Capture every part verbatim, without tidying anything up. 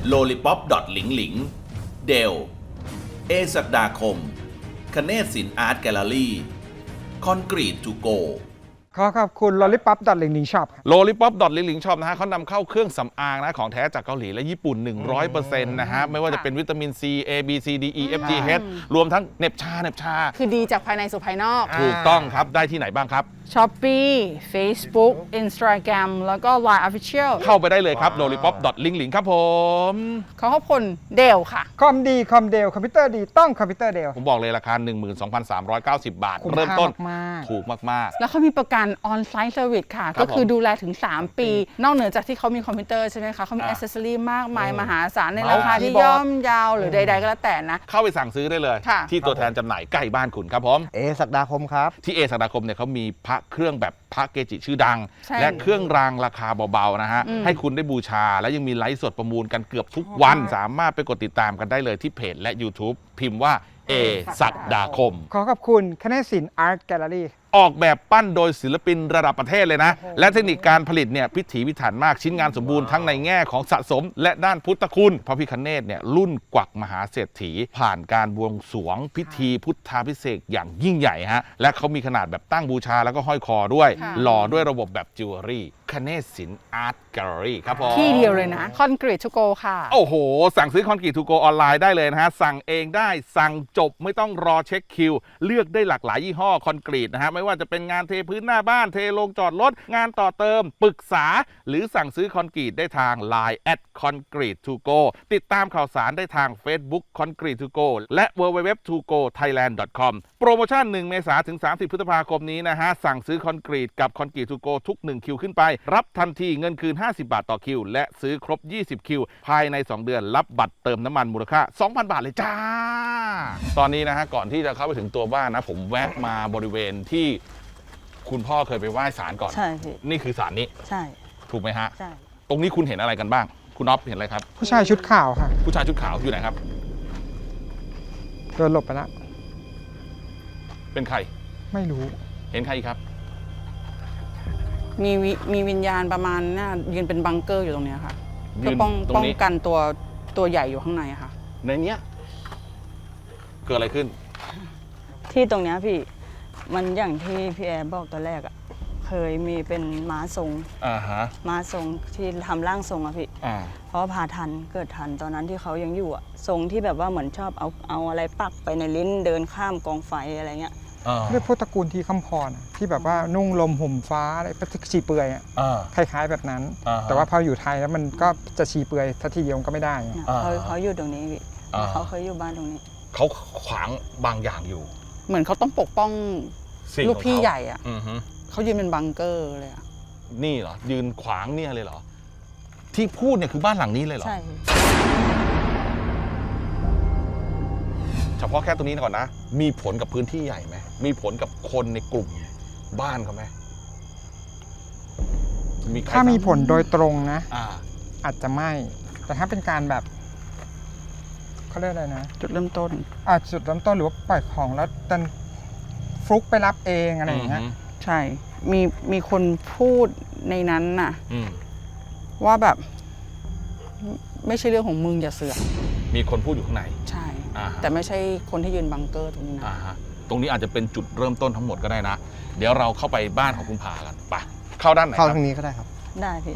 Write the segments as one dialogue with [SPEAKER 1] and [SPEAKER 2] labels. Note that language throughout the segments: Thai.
[SPEAKER 1] โลลิป๊อปดอทหลิงหลิงเดลเอศักดาคมคเนศศิลป์อาร์ตแกลเลอรี่คอนกรีตทูโก
[SPEAKER 2] ขอขอบคุณ lollipop ดอทหลิงหลิงช็อป
[SPEAKER 3] โลลิป๊อปดอทลิงลิงช็อปนะฮะเขานำเข้าเครื่องสำอางนะของแท้จากเกาหลีและญี่ปุ่น หนึ่งร้อยเปอร์เซ็นต์ นะฮะไม่ว่าจะเป็นวิตามิน C A B C D E F G H รวมทั้งเน็บชาเน็บชา
[SPEAKER 4] คือดีจากภายในสู่ภายนอก
[SPEAKER 3] ถูกต้องครับได้ที่ไหนบ้างครับ
[SPEAKER 4] Shopee Facebook Instagram แล้วก็ ไลน์ Official
[SPEAKER 3] เข้าไปได้เลยครับ โลลิป๊อปดอทลิงลิงครับผม
[SPEAKER 4] ขอขอบคุณเดลค่ะ
[SPEAKER 2] คอมดีคอมเดลคอมพิวเตอร์ดีต้องคอมพิวเตอร์เดล
[SPEAKER 3] ผมบอกเลยราคา หนึ่งหมื่นสองพันสามร้อยเก้าสิบ บาท
[SPEAKER 2] คุ้ม
[SPEAKER 3] เริ่มต้น
[SPEAKER 2] ค่ามากๆ
[SPEAKER 3] ถูกมาก
[SPEAKER 4] แล้วเขามีประกัน On-Site Service ค่ะ
[SPEAKER 3] ครับ
[SPEAKER 4] ก็คือ
[SPEAKER 3] ผม
[SPEAKER 4] ดูแลถึง สาม ปี นอกเหนือจากที่เขามีคอมพิวเตอร์ใช่ไหมคะเขามี
[SPEAKER 3] อ่า
[SPEAKER 4] อ c เซสซอรี่มากมาย
[SPEAKER 3] เออ
[SPEAKER 4] มหาศาลใน
[SPEAKER 3] เมาส์
[SPEAKER 4] ราคาที่
[SPEAKER 2] คีย์บอร์ด
[SPEAKER 4] ย่อมเยาวหรือใดๆก็แล้วแต่นะ
[SPEAKER 3] ๆ เข้าไปสั่งซื้อได้เลย
[SPEAKER 4] ค่ะ
[SPEAKER 3] ที่ตัวแทนจำหน่ายใกล้บ้านคุณครับผม
[SPEAKER 5] เอศักดาคมครับ
[SPEAKER 3] ที่เอศักดาคมเนี่ยเขามีพระเครื่องแบบพระเกจิชื่อดัง
[SPEAKER 4] ใช่
[SPEAKER 3] และเครื่องรางราคาเบาๆนะฮะ
[SPEAKER 4] อืม
[SPEAKER 3] ให้คุณได้บูชา และยังมีไลฟ์สดประมูลกันเกือบทุกวัน สามารถไปกดติดตามกันได้เลยที่เพจและ YouTube พิมพ์ว่าเอศักดาคม
[SPEAKER 2] ขอขอบคุณคณะศิลป์อาร์ตแกลเลอรี่
[SPEAKER 3] ออกแบบปั้นโดยศิลปินระดับประเทศเลยนะ และเทคนิคการผลิตเนี่ยพิถีพิถันมากชิ้นงานสมบูรณ์ทั้งในแง่ของสะสม และด้านพุทธคุณพระพิฆเนศเนี่ยรุ่นกวักมหาเศรษฐี ผ่านการบวงสรวงพิธีพุทธาภิเษกอย่างยิ่งใหญ่ฮะและเขามีขนาดแบบตั้งบูชาแล้วก็ห้อยคอด้วย
[SPEAKER 4] ค่ะ
[SPEAKER 3] หล่อด้วยระบบแบบจิวเวลรี่คเนศศิลป์อาร์ตแกลเลอรี่ครับผม
[SPEAKER 4] ที่เดียวเลยนะ Concrete to go ค่ะ
[SPEAKER 3] โอ้โห สั่งซื้อคอนกรีตทูโกออนไลน์ได้เลยนะฮะ สั่งเองได้สั่งจบไม่ต้องรอเช็คคิว เลือกได้หลากหลายยี่ห้อคอนกรีตนะฮะ ไม่ว่าจะเป็นงานเทพื้นหน้าบ้านเทลงจอดรถ งานต่อเติม ปรึกษา หรือสั่งซื้อคอนกรีตได้ทาง ไลน์ แอท คอนกรีตทูโก ติดตามข่าวสารได้ทาง Facebook Concrete to go และ ดับเบิลยู ดับเบิลยู ดับเบิลยู ดอท ทูโกไทยแลนด์ ดอท คอม โปรโมชั่นหนึ่งเมษายนถึงสามสิบพฤษภาคมนี้นะฮะ สั่งซื้อคอนกรีตกับคอนกรีตทูโกทุกหนึ่งคิวขึ้นไป รับทันทีเงินคืนห้าสิบบาทต่อคิว และซื้อครบยี่สิบคิว ภายในสองเดือนรับบัตรเติมน้ำมันมูลค่า สองพัน บาทเลยจ้า ตอนนี้นะฮะก่อนที่จะเข้าไปถึงตัวบ้านนะผมแวะมาบริเวณที่คุณพ่อเคยไปไหว้ศาลก่อน
[SPEAKER 6] ใช่พี่
[SPEAKER 3] นี่คือศาลนี้
[SPEAKER 6] ใช่
[SPEAKER 3] ถูกไหมฮะ
[SPEAKER 6] ใช่
[SPEAKER 3] ตรงนี้คุณเห็นอะไรกันบ้าง คุณน็อปเห็นอะไรครับ
[SPEAKER 2] ผู้ชายชุดขาวค่ะ
[SPEAKER 3] ผู้ชายชุดขาวอยู่ไหนครับ
[SPEAKER 2] เดินหลบไปแล้ว
[SPEAKER 3] เป็นใคร
[SPEAKER 2] ไม่รู้
[SPEAKER 3] เห็นใครอีกครับ
[SPEAKER 4] มีวิมีวิญญาณประมาณน่ายืนเป็นบังเกอร์อยู่ตรงเนี้ยค่ะ
[SPEAKER 3] ยื
[SPEAKER 4] เพื่อน ป้อง
[SPEAKER 3] ตรง
[SPEAKER 4] ป้อง
[SPEAKER 3] นี้
[SPEAKER 4] กันตัวตัวใหญ่อยู่ข้างในอะค่ะ
[SPEAKER 3] ในเนี้ยเกิดอะไรขึ้น
[SPEAKER 6] ที่ตรงเนี้ยพี่มันอย่างที่พี่แอร์บอกตอนแรกอะ่ะเคยมีเป็นม้าทรง
[SPEAKER 3] อ่าฮะ
[SPEAKER 6] ม้าทรงที่ทำร่างทรงอะพี่
[SPEAKER 3] อ่า
[SPEAKER 6] เพราะว่าพาทันเกิดทันตอนนั้นที่เขายังอยู่อะทรงที่แบบว่าเหมือนชอบเอาเอาอะไรปักไปในลิ้นเดินข้ามกองไฟอะไรเงี้ย
[SPEAKER 3] อ่า
[SPEAKER 2] เรียกพวกตระกูลที่คำพรอะที่แบบว่านุ่งลมห่มฟ้าอะไรชีเปลือยอะ
[SPEAKER 3] อ่า
[SPEAKER 2] คล้ายๆแบบนั้น
[SPEAKER 3] อ่าฮะ
[SPEAKER 2] แต่ว่าพออยู่ไทยแล้วมันก็จะชีเปลือยทัทีเดียวก็ไม่ได้อะ
[SPEAKER 6] เนี่ย
[SPEAKER 3] อ่า
[SPEAKER 6] เขาเขาอยู่ตรงนี้พี่
[SPEAKER 3] อ่า
[SPEAKER 6] เขาเคยอยู่บ้านตรงนี้
[SPEAKER 3] เขาขวางบางอย่างอยู่
[SPEAKER 4] เหมือนเขาต้องปกป้อง
[SPEAKER 3] สิ่ง
[SPEAKER 4] ลูก
[SPEAKER 3] ของ
[SPEAKER 4] พี่
[SPEAKER 3] เขา
[SPEAKER 4] ใหญ่อะ
[SPEAKER 3] อือฮึ
[SPEAKER 4] เขายืนเป็นบังเกอร์เลยอะ
[SPEAKER 3] นี่เหรอ ยืนขวางเนี่ยเลยเหรอ ที่พูดเนี่ยคือบ้านหลังนี้เลยเหรอ
[SPEAKER 6] ใช่พี่
[SPEAKER 3] เฉพาะแค่ตรงนี้ก่อนนะ มีผลกับพื้นที่ใหญ่ไหม มีผลกับคนในกลุ่มบ้านเขาไหมมีใคร
[SPEAKER 2] ถ้ามี
[SPEAKER 3] ทรบ
[SPEAKER 2] ผลโดยตรงนะ
[SPEAKER 3] อ่า
[SPEAKER 2] อาจจะไม่ แต่ถ้าเป็นการแบบเขาเรียกอะไรนะ
[SPEAKER 4] จุดเริ่มต้น
[SPEAKER 2] อาจจุดเริ่มต้นหรือว่าปล่อยของแล้วดันฟลุกไปรับเองอะไรอย่างเงี้ย
[SPEAKER 3] ม
[SPEAKER 4] ใช่ มีมีคนพูดในนั้นน่ะ
[SPEAKER 3] อืม
[SPEAKER 4] ว่าแบบไม่ไม่ใช่เรื่องของมึงอย่าเสือก
[SPEAKER 3] มีคนพูดอยู่ข้างใน
[SPEAKER 4] ใช่
[SPEAKER 3] อ่าฮะ
[SPEAKER 4] แต่ไม่ใช่คนที่ยืนบังเกอร์ตรงนี้นะ
[SPEAKER 3] อ่าฮะตรงนี้อาจจะเป็นจุดเริ่มต้นทั้งหมดก็ได้นะ เดี๋ยวเราเข้าไปบ้านของคุณผากันไปเข้าด้านไหนค
[SPEAKER 5] เข้า
[SPEAKER 3] รับ
[SPEAKER 5] ทางนี้ก็ได้ครับ
[SPEAKER 6] ได้พี่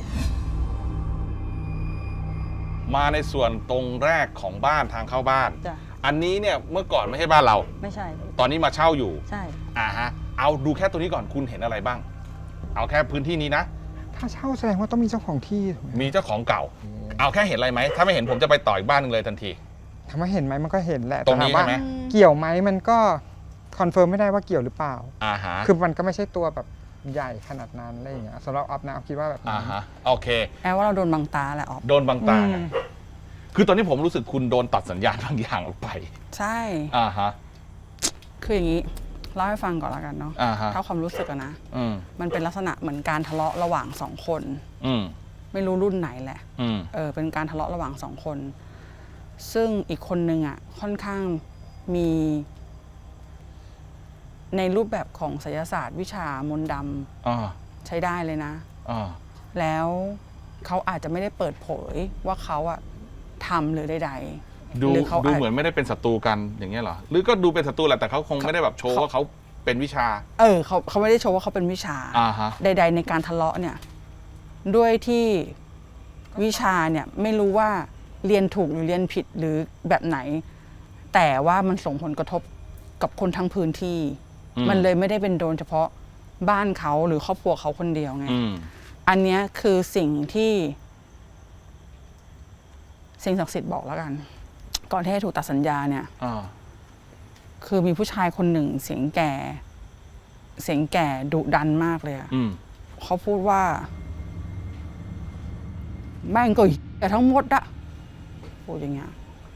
[SPEAKER 3] มาในส่วนตรงแรกของบ้านทางเข้าบ้าน
[SPEAKER 6] จ้ะ
[SPEAKER 3] อันนี้เนี่ยเมื่อก่อนไม่ใช่บ้านเรา
[SPEAKER 6] ไม่ใช่พี่
[SPEAKER 3] ตอนนี้มาเช่าอยู่
[SPEAKER 6] ใช่
[SPEAKER 3] อ่าฮะ เอาดูแค่ตัวนี้ก่อนคุณเห็นอะไรบ้าง เอาแค่พื้นที่นี้นะ
[SPEAKER 2] ถ้าเช่าแสดงว่าต้องมีเจ้าของที่ถูกไหม
[SPEAKER 3] มีเจ้าของเก่า เอาแค่เห็นอะไรไหม ถ้าไม่เห็นผมจะไปต่ออีกบ้านหนึงเลยทันที
[SPEAKER 2] ถามว่าเห็นไหมมันก็เห็นแหละ
[SPEAKER 3] ตรงนี้
[SPEAKER 2] แต่ถามว่า
[SPEAKER 3] ใช่ไหม
[SPEAKER 2] เกี่ยวไหมมันก็คอนเฟิร์มไม่ได้ว่าเกี่ยวหรือเปล่า
[SPEAKER 3] อ่าฮะ
[SPEAKER 2] คือมันก็ไม่ใช่ตัวแบบใหญ่ขนาดนั้นอะไรอย่างเงี้ยสำหรับออฟนะออฟคิดว่าแบบ
[SPEAKER 3] อ่า
[SPEAKER 2] นั้น
[SPEAKER 3] ฮะ โอเค
[SPEAKER 4] แอบว่าเราโดนบังตาแหละออฟ
[SPEAKER 3] โดนบังตา
[SPEAKER 4] อืม
[SPEAKER 3] คือตอนนี้ผมรู้สึกคุณโดนตัดสัญญาณบางอย่างออกไป
[SPEAKER 4] ใช่
[SPEAKER 3] อ่าฮะ
[SPEAKER 4] คืออย่างนี้เล่าให้ฟังก่อนแล้วกันเนาะ
[SPEAKER 3] อ่าฮะ
[SPEAKER 4] ถ้าความรู้สึกอะนะ
[SPEAKER 3] อืม
[SPEAKER 4] มันเป็นลักษณะเหมือนการทะเลาะระหว่างสองคน
[SPEAKER 3] อืม
[SPEAKER 4] ไม่รู้รุ่นไหนแหละ
[SPEAKER 3] อืม
[SPEAKER 4] เออเป็นการทะเลาะระหว่างสองคน ซึ่งอีกคนนึงอ่ะค่อนข้างมี ในรูปแบบของไสยศาสตร์วิชามนต์ด
[SPEAKER 3] อ่า
[SPEAKER 4] ำใช้ได้เลยนะ
[SPEAKER 3] อ่า
[SPEAKER 4] แล้วเขาอาจจะไม่ได้เปิดเผยว่าเขาอะทำหรือใด
[SPEAKER 3] ดู
[SPEAKER 4] หรือเขา
[SPEAKER 3] ดู
[SPEAKER 4] อาจ
[SPEAKER 3] เหมือนไม่ได้เป็นศัตรูกันอย่างเงี้ยเหรอหรือก็ดูเป็นศัตรูแหละแต่เขาคงไม่ได้แบบโชว์ว่าเขาเป็นวิชา
[SPEAKER 4] ๆเออเขาเขาไม่ได้โชว์ว่าเขาเป็นวิชา
[SPEAKER 3] อ่าฮะ
[SPEAKER 4] ใด ๆ ในการทะเลาะเนี่ยด้วยที่วิชาเนี่ยไม่รู้ว่าเรียนถูกหรือเรียนผิดหรือแบบไหน แต่ว่ามันส่งผลกระทบกับคนทั้งพื้นที่
[SPEAKER 3] อืม
[SPEAKER 4] มันเลยไม่ได้เป็นโดนเฉพาะบ้านเขาหรือครอบครัวเขาคนเดียวไง
[SPEAKER 3] อืม
[SPEAKER 4] อันเนี้ยคือสิ่งที่สิ่งศักดิ์สิทธิ์บอกแล้วกัน ก่อนที่จะถูกตัดสัญญาเนี่ย
[SPEAKER 3] อ่า
[SPEAKER 4] คือมีผู้ชายคนหนึ่งเสียงแก่ เสียงแก่ดุดันมากเลยอะ
[SPEAKER 3] อืม
[SPEAKER 4] เขาพูดว่าแม่งก็แต่ทั้งหมดอะพูดอย่างเงี้ย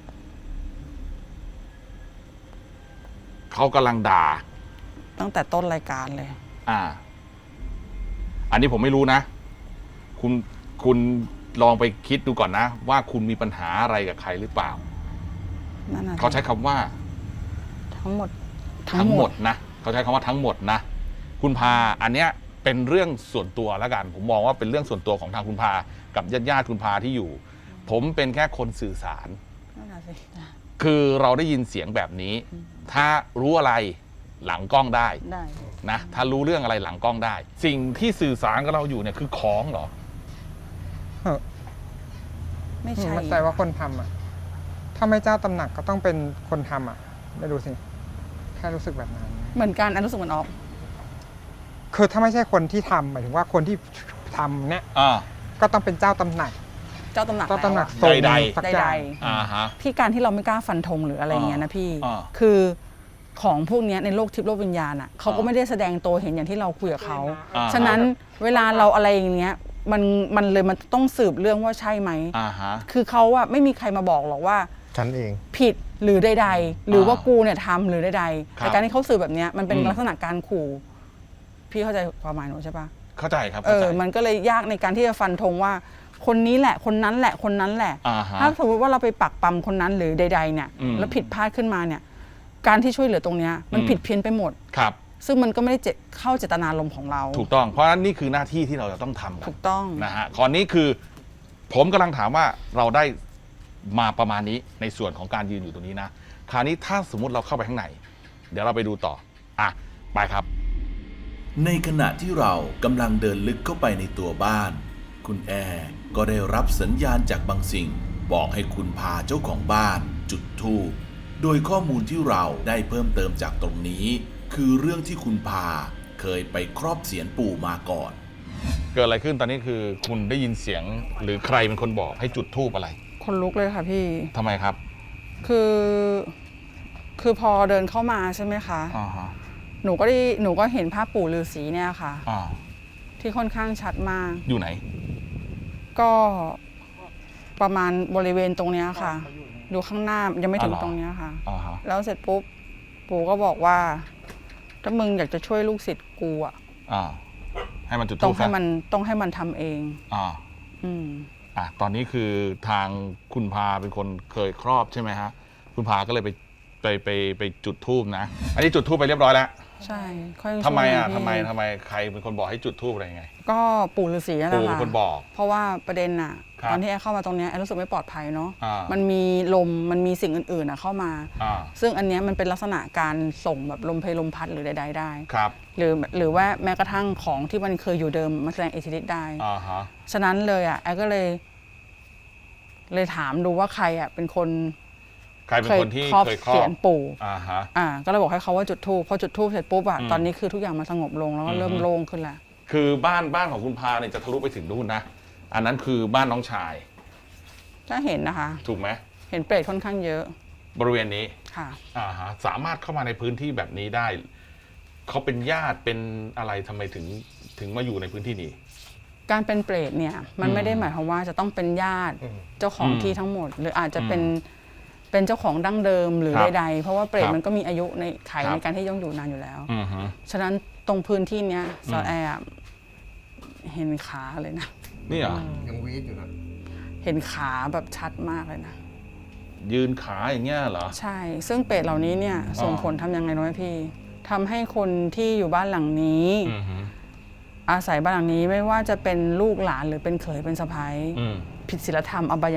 [SPEAKER 3] เขากำลังด่า
[SPEAKER 4] ตั้งแต่ต้นรายการเลย
[SPEAKER 3] อ่า อันนี้ผมไม่รู้นะ คุณคุณลองไปคิดดูก่อนนะ ว่าคุณมีปัญหาอะไรกับใครหรือเปล่า
[SPEAKER 4] นั่นน่ะ
[SPEAKER 3] เขาใช้คำว่า
[SPEAKER 6] ทั้งหมด
[SPEAKER 3] ทั้งหมดนะเขาใช้คำว่าทั้งหมดนะ คุณพาอันเนี้ยเป็นเรื่องส่วนตัวแล้วกัน ผมมองว่าเป็นเรื่องส่วนตัวของทางคุณพากับญาติญาติๆคุณพาที่อยู่ ผมเป็นแค่คนสื่อสาร
[SPEAKER 4] นั่นน่ะสิ
[SPEAKER 3] คือเราได้ยินเสียงแบบนี้ ถ้ารู้อะไรหลังกล้องได้
[SPEAKER 6] ได้
[SPEAKER 3] นะถ้ารู้เรื่องอะไรหลังกล้องได้ สิ่งที่สื่อสารกับเราอยู่เนี่ยคือของเหรอ
[SPEAKER 2] เฮ้ย
[SPEAKER 4] ไม่ใช่
[SPEAKER 2] มั่นใจว่าคนทำอ่ะ ถ้าไม่เจ้าตำหนักก็ต้องเป็นคนทำอ่ะ ไม่รู้สิ แค่รู้สึกแบบนั้น
[SPEAKER 4] เหมือนกันอันรู้สึกเหมือนออฟ
[SPEAKER 2] คือถ้าไม่ใช่คนที่ทำหมายถึงว่าคนที่ทำเนี่ย
[SPEAKER 3] อ่า
[SPEAKER 2] ก็ต้องเป็นเจ้าตำหนัก
[SPEAKER 4] เจ้าตำหนัก
[SPEAKER 2] เจ้าตำหนัก
[SPEAKER 4] แล้วอะ
[SPEAKER 2] ทรง
[SPEAKER 3] ใดๆ
[SPEAKER 2] สัก
[SPEAKER 4] ใด
[SPEAKER 2] อย่าง
[SPEAKER 3] อ่าฮะ
[SPEAKER 4] ที่การที่เราไม่กล้าฟันธงหรืออะไรอย่างเงี้ยนะพี่
[SPEAKER 3] อ่า
[SPEAKER 4] คือของพวกเนี้ยในโลกทิพย์โลกวิญญาณอ่ะเขาก็
[SPEAKER 3] อ่า
[SPEAKER 4] ไม่ได้แสดงตัวเห็นอย่างที่เราคุยกับเขา
[SPEAKER 3] อ่า
[SPEAKER 4] ฉะนั้นเวลาเราอะไรอย่างเงี้ยมันมันเลยมันต้องสืบเรื่องว่าใช่ไหม
[SPEAKER 3] อ่าฮะ
[SPEAKER 4] คือเขาอะไม่มีใครมาบอกหรอกว่า
[SPEAKER 5] ฉันเอง
[SPEAKER 4] ผิดหรือใดๆหรือว่ากูเนี่ยทำหรือใดๆ
[SPEAKER 3] ครับ
[SPEAKER 4] แต่การที่เขาสื่อแบบเนี้ยมันเป็น
[SPEAKER 3] อืม
[SPEAKER 4] ลักษณะการขู่ พี่เข้าใจความหมายหนูใช่ปะ
[SPEAKER 3] เข้าใจครับ
[SPEAKER 4] เอ
[SPEAKER 3] เข้าใจ
[SPEAKER 4] อมันก็เลยยากในการที่จะฟันธงว่า คนนี้แหละคนนั้นแหละคนนั้นแหละ
[SPEAKER 3] อ่าฮะ
[SPEAKER 4] ถ้าสมมติว่าเราไปปักปั๊มคนนั้นหรือใด ๆ เนี่ย
[SPEAKER 3] อืม
[SPEAKER 4] แล้วผิดพลาดขึ้นมาเนี่ย การที่ช่วยเหลือตรงเนี้ยมัน
[SPEAKER 3] อืม
[SPEAKER 4] ผิดเพี้ยนไปหมด
[SPEAKER 3] ครับ
[SPEAKER 4] ซึ่งมันก็ไม่ได้เจตเข้าเจตนารมณ์ของเรา
[SPEAKER 3] ถูกต้อง เพราะฉะนั้นนี่คือหน้าที่ที่เราจะต้องทำกั
[SPEAKER 4] ถู
[SPEAKER 3] น
[SPEAKER 4] กต้อง
[SPEAKER 3] นะฮะข้อนี้คือ ผมกำลังถามว่าเราได้มาประมาณนี้ในส่วนของการยืนอยู่ตรงนี้นะ คราวนี้ถ้าสมมุติเราเข้าไปข้างในเดี๋ยวเราไปดูต่อ อ่ะ ไปครับ
[SPEAKER 1] ในขณะที่เรากำลังเดินลึกเข้าไปในตัวบ้าน คุณแอร์ก็ได้รับสัญญาณจากบางสิ่ง บอกให้คุณพาเจ้าของบ้านจุดธูป โดยข้อมูลที่เราได้เพิ่มเติมจากตรงนี้ คือเรื่องที่คุณพาเคยไปครอบเสียนปู่มาก่อน
[SPEAKER 3] เกิดอะไรขึ้นตอนนี้คือคุณได้ยินเสียงหรือใครเป็นคนบอกให้จุดธูปอะไร
[SPEAKER 4] คนลุกเลยค่ะพี่
[SPEAKER 3] ทำไมครับ
[SPEAKER 4] คือ คือพอเดินเข้ามาใช่ไหมคะ
[SPEAKER 3] อ่าฮะ
[SPEAKER 4] หนูก็ได้หนูก็เห็นภาพปู่ฤาษีเนี่ยค่ะ
[SPEAKER 3] อ่า
[SPEAKER 4] ที่ค่อนข้างชัดมาก
[SPEAKER 3] อยู่ไหน
[SPEAKER 4] ก็ประมาณบริเวณตรงเนี้ยค่ะ ดูข้างหน้ายังไม่ถึง
[SPEAKER 3] อ๋อเหรอ
[SPEAKER 4] ตรงเนี้ยค่ะ
[SPEAKER 3] อ่าฮะ
[SPEAKER 4] แล้วเสร็จปุ๊บ ปู่ก็บอกว่า ถ้ามึงอยากจะช่วยลูกศิษย์กูอ่ะ
[SPEAKER 3] อ่า ให้มันจุด
[SPEAKER 4] ต้
[SPEAKER 3] ธู
[SPEAKER 4] อง
[SPEAKER 3] ป
[SPEAKER 4] ให้
[SPEAKER 3] ซะ
[SPEAKER 4] มันต้องให้มันทำเอง
[SPEAKER 3] อ่า
[SPEAKER 4] อืม
[SPEAKER 3] อ่ะตอนนี้คือทางคุณพาเป็นคนเคยครอบใช่ไหมฮะ คุณพาก็เลยไปไปไปไปจุดธูปนะ อันนี้จุดธูปไปเรียบร้อยแล้ว
[SPEAKER 4] ใช่ค่อย
[SPEAKER 3] ทำไมอ่ะ
[SPEAKER 4] ช่วย
[SPEAKER 3] ทำไม
[SPEAKER 4] พี่
[SPEAKER 3] ทำไมใครเป็นคนบอกให้จุดธูปอะไรยังไง
[SPEAKER 4] ก็ปู่ฤาษีนั่นแห
[SPEAKER 3] ปู่
[SPEAKER 4] ละ
[SPEAKER 3] เป็น
[SPEAKER 4] ค่ะ
[SPEAKER 3] คนบอก
[SPEAKER 4] เพราะว่าประเด็นน่ะ
[SPEAKER 3] ครับ
[SPEAKER 4] ตอนที่แอร์เข้ามาตรงเนี้ยแอร์รู้สึกไม่ปลอดภัยเนาะ
[SPEAKER 3] อ่ามั
[SPEAKER 4] มันมีลมมันมีสิ่งอื่นๆอ่ะเข้ามา
[SPEAKER 3] อ่า
[SPEAKER 4] ซึ่งอันเนี้ยมันเป็นลักษณะการส่งแบบลมเพลลมพัดหรือใดๆได้
[SPEAKER 3] ครับ
[SPEAKER 4] หรือหรือว่าแม้กระทั่งของที่มันเคยอยู่เดิมมาแสดงอิทธิฤทธิ์ได้
[SPEAKER 3] อ่าฮะ
[SPEAKER 4] ฉะนั้นเลยอ่ะแอร์ก็เลย เลยถามดูว่าใครอ่ะเป็นคน
[SPEAKER 3] ใครเป็นคนที่
[SPEAKER 4] ครอบ
[SPEAKER 3] เคยครอ
[SPEAKER 4] เสีย
[SPEAKER 3] บ
[SPEAKER 4] นปู่
[SPEAKER 3] อ่าฮะ
[SPEAKER 4] อ่า ก็เลยบอกให้เขาว่าจุดธูปพอจุดธูปเสร็จปุ๊บอ่ะ
[SPEAKER 3] อืม
[SPEAKER 4] ตอนนี้คือทุกอย่างมันสงบลงแล้วก็เริ่ม
[SPEAKER 3] อือฮึ
[SPEAKER 4] โล่งขึ้นแล้ว
[SPEAKER 3] คือบ้านบ้านของคุณพาเนี่ยจะทะลุไปถึงนู่นนะ อันนั้นคือบ้านน้องชาย
[SPEAKER 4] ถ้าเห็นนะคะ
[SPEAKER 3] ถูกไหม
[SPEAKER 4] เห็นเปรตค่อนข้างเยอะ
[SPEAKER 3] บริเวณนี้
[SPEAKER 4] ค่ะ
[SPEAKER 3] อ่าฮะ สามารถเข้ามาในพื้นที่แบบนี้ได้ เขาเป็นญาติเป็นอะไรทำไมถึงถึงมาอยู่ในพื้นที่นี้
[SPEAKER 4] การเป็นเปรตเนี่ย มัน
[SPEAKER 3] อืม
[SPEAKER 4] ไม่ได้หมายความว่าจะต้องเป็นญาติเจ้าของ
[SPEAKER 3] อืม
[SPEAKER 4] ที่ทั้งหมด หรืออาจจะเป็น
[SPEAKER 3] อืม
[SPEAKER 4] เป็นเจ้าของดั้งเดิมหรือ
[SPEAKER 3] ครับ
[SPEAKER 4] ใดๆเพราะว่าเปรต
[SPEAKER 3] ครับ
[SPEAKER 4] มันก็มีอายุในไข
[SPEAKER 3] ครับ
[SPEAKER 4] ในการที่ย่องอยู่นานอยู่แล้ว
[SPEAKER 3] อือฮึ
[SPEAKER 4] ฉะนั้นตรงพื้นที่เนี้ย
[SPEAKER 3] อืม
[SPEAKER 4] ซอแอร์อะเห็นขาเลยนะ
[SPEAKER 3] นี่เหรอ
[SPEAKER 5] ยังวีดอยู่นะ
[SPEAKER 4] เห็นขาแบบชัดมากเลยนะ
[SPEAKER 3] ยืนขาอย่างเงี้ยเหรอ
[SPEAKER 4] ใช่ ซึ่งเปรตเหล่านี้เนี่ยส่งผลทำยังไงรู้ไหมพี่ทำให้คนที่อยู่บ้านหลังนี้
[SPEAKER 3] อือฮึ
[SPEAKER 4] อาศัยบ้านหลังนี้ไม่ว่าจะเป็นลูกหลานหรือเป็นเขยเป็นสะใภ้
[SPEAKER 3] อืม
[SPEAKER 4] ผิดศีลธรรมอบายมุข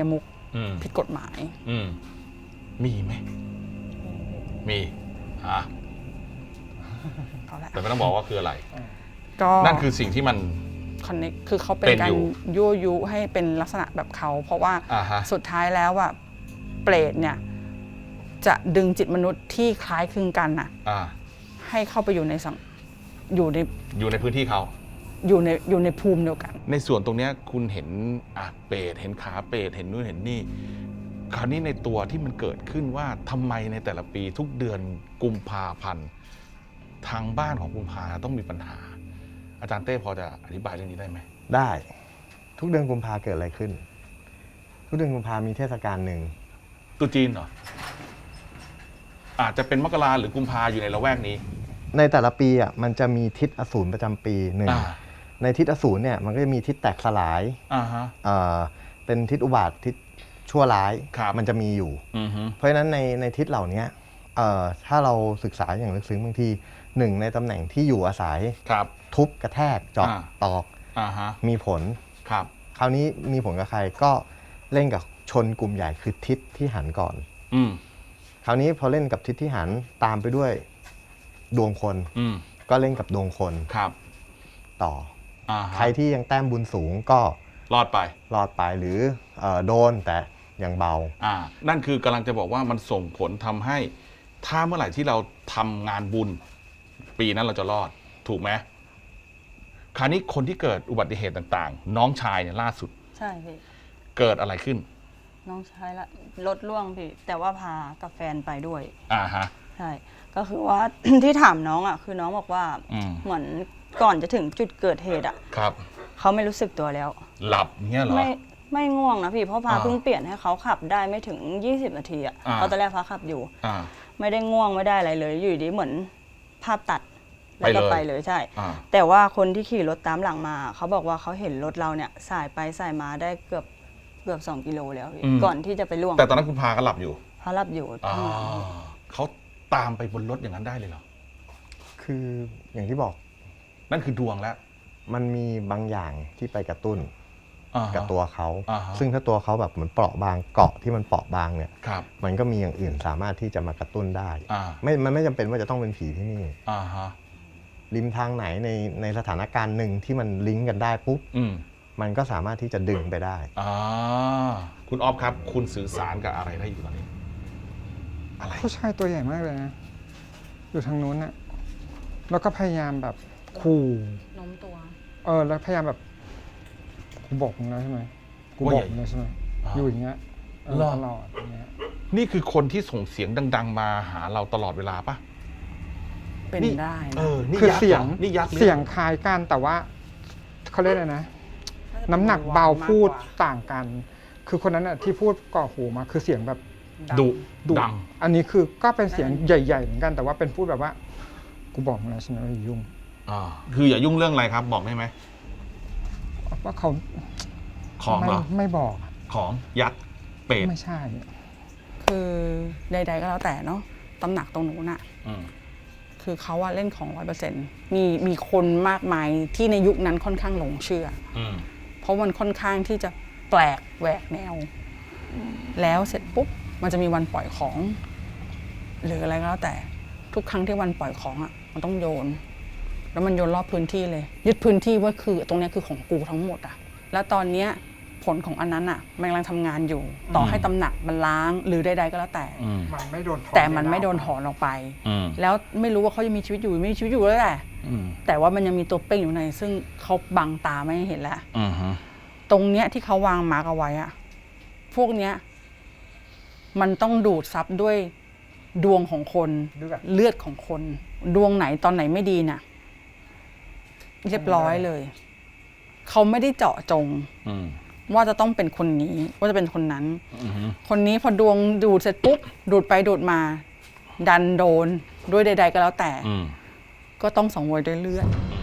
[SPEAKER 3] อืม
[SPEAKER 4] ผิดกฎหมาย
[SPEAKER 3] อืมมีไหมมีอ่ะ
[SPEAKER 4] เอาละ
[SPEAKER 3] แต่ไม่ต้องบอกว่าคืออะไร
[SPEAKER 4] ก็
[SPEAKER 3] นั่นคือสิ่งที่มัน
[SPEAKER 4] คอนเนคคือเขาเป็น
[SPEAKER 3] เป็น
[SPEAKER 4] กา
[SPEAKER 3] อยู่
[SPEAKER 4] รยั่วยุให้เป็นลักษณะแบบเขา เพราะว่า
[SPEAKER 3] อ่าฮะ
[SPEAKER 4] สุดท้ายแล้วอะเปรตเนี่ยจะดึงจิตมนุษย์ที่คล้ายคลึงกันน่ะ
[SPEAKER 3] อ่า
[SPEAKER 4] ให้เข้าไปอยู่ในสังอยู่ใน
[SPEAKER 3] อยู่ในพื้นที่เขา
[SPEAKER 4] อยู่ในอยู่ในภูมิเดียวกัน
[SPEAKER 3] ในส่วนตรงเนี้ยคุณเห็นอ่ะเปรตเห็นขาเปรตเห็นนู่นเห็นนี่คราวนี้ในตัวที่มันเกิดขึ้นว่าทำไมในแต่ละปีทุกเดือนกุมภาพันธ์ทางบ้านของกุมภาต้องมีปัญหา อาจารย์เต้พอจะอธิบายเรื่องนี้ได้ไหม
[SPEAKER 5] ได้ทุกเดือนกุมภาเกิดอะไรขึ้น ทุกเดือนกุมภามีเทศกาลหนึ่ง
[SPEAKER 3] ตรุษจีนเหรออาจจะเป็นมกราหรือกุมภาอยู่ในละแวกนี้
[SPEAKER 5] ในแต่ละปีอ่ะมันจะมีทิศอสูรประจำปีหนึ่ง
[SPEAKER 3] อ่า
[SPEAKER 5] ในทิศอสูรเนี่ยมันก็จะมีทิศแตกสลาย
[SPEAKER 3] อ่าฮะ
[SPEAKER 5] เอ่อเป็นทิศอุบาททิศชั่วร้าย
[SPEAKER 3] ครับ
[SPEAKER 5] มันจะมีอยู่
[SPEAKER 3] อือฮึ
[SPEAKER 5] เพราะฉะนั้นในในทิศเหล่านี้เอ่อถ้าเราศึกษาอย่างลึกซึ้งบางทีหนึ่งในตำแหน่งที่อยู่อาศัย
[SPEAKER 3] ครับ
[SPEAKER 5] ทุบกระแทกเจาะ
[SPEAKER 3] อ่า
[SPEAKER 5] ตอก
[SPEAKER 3] อ่าฮะ
[SPEAKER 5] มีผล
[SPEAKER 3] ครับ
[SPEAKER 5] คราวนี้มีผลกับใครก็เล่นกับชนกลุ่มใหญ่คือทิศที่หันก่อน
[SPEAKER 3] อืม
[SPEAKER 5] คราวนี้พอเล่นกับทิศที่หันตามไปด้วยดวงคน
[SPEAKER 3] อืม
[SPEAKER 5] ก็เล่นกับดวงคน
[SPEAKER 3] ครับ
[SPEAKER 5] ต่อ
[SPEAKER 3] อ่าฮะ
[SPEAKER 5] ใครที่ยังแต้มบุญสูงก็
[SPEAKER 3] รอดไป
[SPEAKER 5] รอดไปหรือเอ่อโดนแต่ยังเบา
[SPEAKER 3] อ่า นั่นคือกำลังจะบอกว่ามันส่งผลทำให้ ถ้าเมื่อไหร่ที่เราทำงานบุญ ปีนั้นเราจะรอด ถูกไหมคราวนี้คนที่เกิดอุบัติเหตุต่างๆ น้องชายเนี่ยล่าสุด
[SPEAKER 6] ใช่พี่
[SPEAKER 3] เกิดอะไรขึ้น
[SPEAKER 6] น้องชายละรถล่วงพี่ แต่ว่าพากับแฟนไปด้วย
[SPEAKER 3] อ่าฮะ
[SPEAKER 6] ใช่ ก็คือว่า ที่ถามน้องอ่ะคือน้องบอกว่า
[SPEAKER 3] อืม
[SPEAKER 6] เหมือนก่อนจะถึงจุดเกิดเหตุอ่ะ
[SPEAKER 3] ครับ
[SPEAKER 6] เขาไม่รู้สึกตัวแล้ว
[SPEAKER 3] หลับเงี้ยเหรอ
[SPEAKER 6] ไม่ไม่ง่วงนะพี่เพราะพา
[SPEAKER 3] อ่า
[SPEAKER 6] เพิ่งเปลี่ยนให้เขาขับได้ไม่ถึง ยี่สิบ นาทีอ่ะ
[SPEAKER 3] อ่า
[SPEAKER 6] เพราะตอนแรกพาขับอยู่
[SPEAKER 3] อ่า
[SPEAKER 6] ไม่ได้ง่วงไม่ได้อะไรเลย อยู่ดีเหมือนภาพตัดแล้วก็
[SPEAKER 3] ไป
[SPEAKER 6] ไป
[SPEAKER 3] เลย
[SPEAKER 6] เลยใช่
[SPEAKER 3] อ่า
[SPEAKER 6] แต่ว่าคนที่ขี่รถตามหลังมา เขาบอกว่าเขาเห็นรถเราเนี่ยสายไปสายมาได้เกือบเกือบสองกิโลแล้วพี่
[SPEAKER 3] อืม
[SPEAKER 6] ก่อนที่จะไปล่วง
[SPEAKER 3] แต่ตอนนั้นคุณพาก็หลับอยู่
[SPEAKER 6] เขาหลับอยู่
[SPEAKER 3] อ่า
[SPEAKER 6] ข้างหลัง
[SPEAKER 3] เขาตามไปบนรถอย่างนั้นได้เลยเหรอ
[SPEAKER 5] คืออย่างที่บอก
[SPEAKER 3] นั่นคือดวงแล้ว
[SPEAKER 5] มันมีบางอย่างที่ไปกระตุ้น
[SPEAKER 3] อ่าฮะ
[SPEAKER 5] กับตัวเขา
[SPEAKER 3] อ่าฮะ
[SPEAKER 5] ซึ่งถ้าตัวเขาแบบเหมือนเปราะบางเกาะที่มันเปราะบางเนี่ย
[SPEAKER 3] ครับ
[SPEAKER 5] มันก็มีอย่างอื่นสามารถที่จะมากระตุ้นได้
[SPEAKER 3] อ่า
[SPEAKER 5] ไม่มันไม่จำเป็นว่าจะต้องเป็นผีที่นี่
[SPEAKER 3] อ่าฮะ
[SPEAKER 5] ริมทางไหนในในสถานการณ์หนึ่งที่มันลิงก์กันได้ปุ๊บ
[SPEAKER 3] อืม
[SPEAKER 5] มันก็สามารถที่จะดึงไปได้
[SPEAKER 3] อ่า คุณออฟครับ คุณสื่อสารกับอะไรได้อยู่ตอนนี้ อะไร
[SPEAKER 2] ผู้ชายตัวใหญ่มากเลยนะ อยู่ทางนู้นน่ะแล้วก็พยายามแบบขู่
[SPEAKER 4] โน้มตัว
[SPEAKER 2] เออแล้วพยายามแบบกูบอกมึงแล้วใช่ไหมกู
[SPEAKER 3] ว่า
[SPEAKER 2] บ
[SPEAKER 3] ให
[SPEAKER 2] อ
[SPEAKER 3] ญ่
[SPEAKER 2] กมึงแล้วใช่ไหม
[SPEAKER 3] อ่า
[SPEAKER 2] อยู่อย่างเงี้ยเออ
[SPEAKER 3] เหรอ
[SPEAKER 2] ตลอดอย่างเงี้ย
[SPEAKER 3] นี่คือคนที่ส่งเสียงดัง ๆ มาหาเราตลอดเวลาปะ
[SPEAKER 4] เป็น
[SPEAKER 3] นี่
[SPEAKER 4] ได้
[SPEAKER 3] เอ
[SPEAKER 4] นะ
[SPEAKER 3] อ นี่
[SPEAKER 2] คือ
[SPEAKER 3] ยักษ์
[SPEAKER 2] เสียง
[SPEAKER 3] หรอนี่ยักษ์หรือ
[SPEAKER 2] เสียงคล้ายกันแต่ว่าเขาเรียกอะไรนะ น้ำหนักเบาพูดต่างกัน คือคนนั้นอ่ะที่พูดก่อหูมาคือเสียงแบบ
[SPEAKER 3] ดุ
[SPEAKER 2] ดุ
[SPEAKER 3] ดัง
[SPEAKER 2] อันนี้คือก็เป็นเสียงใหญ่ๆเหมือนกันแต่ว่าเป็นพูดแบบว่ากูบอกมึงแล้วใช่ไหมว่าอย่ายุ่ง
[SPEAKER 3] อ่า คืออย่ายุ่งเรื่องอะไรครับ บอกได้ไหม
[SPEAKER 2] ว่าเขา
[SPEAKER 3] ของ
[SPEAKER 2] ไม่
[SPEAKER 3] เหรอ
[SPEAKER 2] ไม่บอกอะ
[SPEAKER 3] ของยักษ์เป็ด
[SPEAKER 2] ไม่ใช่
[SPEAKER 4] คือใดๆก็แล้วแต่เนาะตำหนักตรงนู้นน่ะ
[SPEAKER 3] อืม
[SPEAKER 4] คือเขาว่าเล่นของร้อยเปอร์เซ็นต์มีมีคนมากมายที่ในยุคนั้นค่อนข้างหลงเชื่อ
[SPEAKER 3] อืม
[SPEAKER 4] เพราะมันค่อนข้างที่จะแปลกแหวกแนว แล้วเสร็จปุ๊บมันจะมีวันปล่อยของ หรืออะไรก็แล้วแต่ทุกครั้งที่วันปล่อยของอ่ะมันต้องโยน แล้วมันโยนรอบพื้นที่เลย ยึดพื้นที่ว่าคือตรงเนี้ยคือของกูทั้งหมดอ่ะแล้วตอนเนี้ยผลของอันนั้นอ่ะมันกำลังทำงานอยู่ ต่อให้ตำหนักมันล้างหรือใดๆก็แล้วแต่
[SPEAKER 3] อืม
[SPEAKER 2] มันไม่โดนถอ
[SPEAKER 4] แต่มันไม่โดนถอนออกไป
[SPEAKER 3] อืม
[SPEAKER 4] แล้วไม่รู้ว่าเขายังมีชีวิตอยู่ไม่มีชีวิตอยู่แล้วแหละ
[SPEAKER 3] อืม
[SPEAKER 4] แต่ว่ามันยังมีตัวเป้งอยู่ใน ซึ่งเขาบังตาไม่ให้เห็นแล้ว
[SPEAKER 3] อืมฮึ
[SPEAKER 4] ตรงเนี้ยที่เขาวางมาร์กเอาไว้อะพวกเนี้ยมันต้องดูดซับด้วยดวงของคน
[SPEAKER 2] เลือด
[SPEAKER 4] เลือดของคน ดวงไหนตอนไหนไม่ดีน่ะ เรียบร้อยเลย เขาไม่ได้เจาะจง
[SPEAKER 3] อืม
[SPEAKER 4] ว่าจะต้องเป็นคนนี้ ว่าจะเป็นคนนั้น
[SPEAKER 3] อืมฮึ
[SPEAKER 4] คนนี้พอดวงดูดเสร็จปุ๊บดูดไปดูดมา ดันโดนด้วยใด ๆ ก็แล้วแต่
[SPEAKER 3] อืม
[SPEAKER 4] ก็ต้องสังเวยด้วยเลือด
[SPEAKER 3] อื